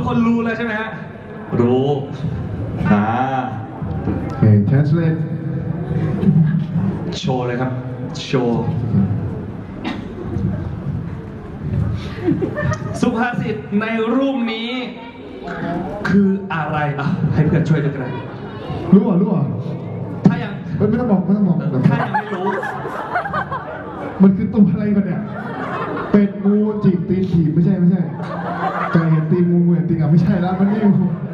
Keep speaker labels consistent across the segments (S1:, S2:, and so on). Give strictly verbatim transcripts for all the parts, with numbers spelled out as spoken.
S1: คนรู้เลยใช่ไหมฮะรู้อ่า
S2: Okay, translate.
S1: โชว์เลยครับโชว์สุภาษิตในรูปนี้คืออะไรอ่ะให้เพื่อนช่วยด้วยกัน
S2: รู้อ่ะรู้อ่ะ
S1: ถ้ายัง
S2: เฮ้ยไม่ต้องบอกไม่ต้องบอก
S1: ถ้ายังไม่รู้
S2: มันคือตัวอะไรกันเนี่ยเป็ดงูจิกตีนถีบไม่ใช่ไม่ใช่ไก่เห็นตีนงูงูเห็นตีนอ่ะไม่ใช่แล้วมันนี่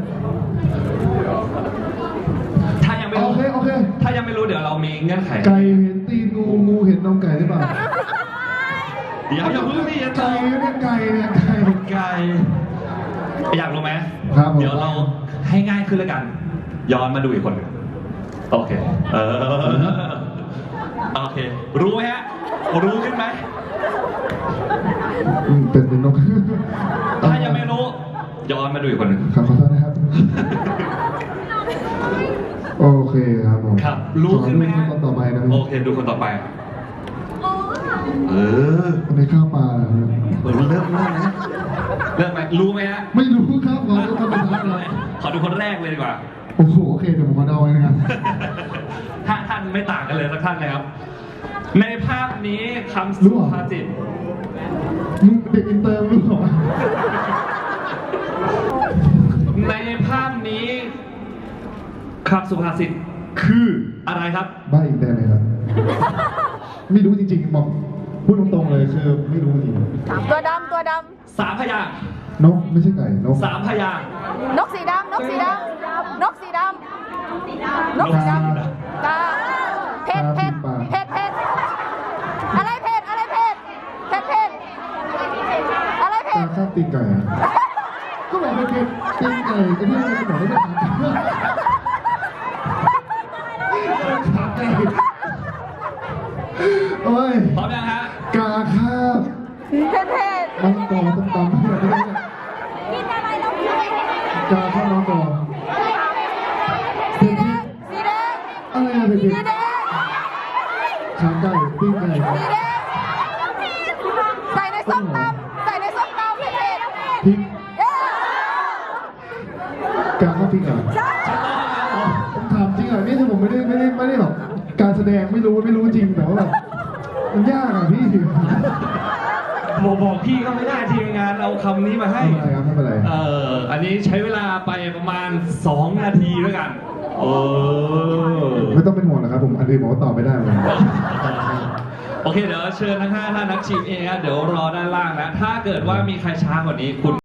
S1: ถ้ายังไม่รู้
S2: โอเคโอเค
S1: ถ้ายังไม่รู้เดี๋ยวเรามีเงื่อนไข
S2: ไก่เห็นตีนงูงูเห็นนมไก่หรือเปล่า
S1: เดี๋ยวอย่าเพิ่งนี่อย่าตอ
S2: ไก่
S1: บ
S2: เนี่ยไก่เนี่ยไก่
S1: ไก่อยากรู้ไหม
S2: ครับผม
S1: เดี๋ยวเราให้ง่ายขึ้นแล้วกัน ย้อนมาดูอีกคนหนึ่งโอเค เออ โอเค รู้ไหมฮะ รู้ขึ้นไหม
S2: อืมเป็นเป็นนก
S1: ถ้ายังไม่รู้ ย้อนมาดูอีกคนหนึ่ง
S2: ครับขอโทษนะครับ โอเคครับผม
S1: ครับ รู้ขึ้นไหมฮะ
S2: ขอดูคนต่อไปนะ
S1: โอเค ดูคนต่อไป เออ
S2: คนในข้าวปลานะครับ
S1: เออเริ่มเริ่มนะเริ่มไหมรู้ไหมฮะ
S2: ไม่รู้ครับขอดูคนสุดท้ายเลย
S1: ขอดูคนแรกเลยดีกว่า
S2: โอ้โหโอเคเดี๋ยวผมมาเดาไว้นะครับ
S1: ถ้าท่านไม่ต่างกันเลยสักท่านเลยครับ ในภาพนี้คำ
S2: รู้
S1: สุ
S2: เหรอ
S1: ภาษิต
S2: มึงเด็กอินเตอร์รู้เหรอ
S1: ในภาพนี้คำสุภาษิตคืออะไรครับ
S2: บ้าอีกได้ไหมครับ ไม่รู้จริงๆบอกพูดตรงๆเลยคือไม่รู้จริง
S3: ตัวดำตัวด
S1: สามพยางค์
S2: นกไม่ใช่ไก่นก
S1: สามพยางค์
S3: ำนกสีดำนกสีดำนกสีดำนกสีดำกาเพชรเพชรเพชรเพชรอะไรเพชรอะไรเพชรเพชรเพชรอะไรเพ
S2: ตา
S3: ชร
S2: ข้ามตีนไก่อะก็บอกเป็นเป็นตีนไก่ก็ที่เราบอกว่าเป็นขาไก่โอ้ย
S1: พร้อมยังฮะ
S2: กาคาบ
S3: เพชรเพชร
S2: มังกรต้มตำไม่ได้ไม่ได้
S3: กินอะไรเรา
S2: กาข้าวมังกร
S3: สีแดงสีแดง
S2: อะไรอะเป็น
S3: สี
S2: เป็น
S3: แดง
S2: ขาไก่ตีนไก่
S3: สีแดงใส่ในส้มตำใส่ในส้มตำเพชรเพชร
S2: พริก
S3: เย้
S2: กาข้าวพริกเหรอ
S3: ใช่
S2: ผมถามจริงเหรอนี่คือผมไม่ได้ไม่ได้ไม่ได้แบบการแสดงไม่รู้ไม่รู้จริงแต่ว่าแบบมันยากอะพี่
S1: บอกบอกพี่ก็ไม่ได้ทีมงานเอาคำนี้มาให้
S2: ไม่เป็นไรครับไม่เป็นไร
S1: เอออันนี้ใช้เวลาไปประมาณสองนาทีด้วยกันโอ้
S2: ไม่ต้องเป็นห่วงนะครับผมอันนี้ผมก็ตอบไม่ได้เหมือนกัน
S1: โอเคเดี๋ยวเชิญทั้งห้าท่านนักชิมเองครับเดี๋ยวรอด้านล่างนะถ้าเกิดว่ามีใครช้ากว่านี้คุณ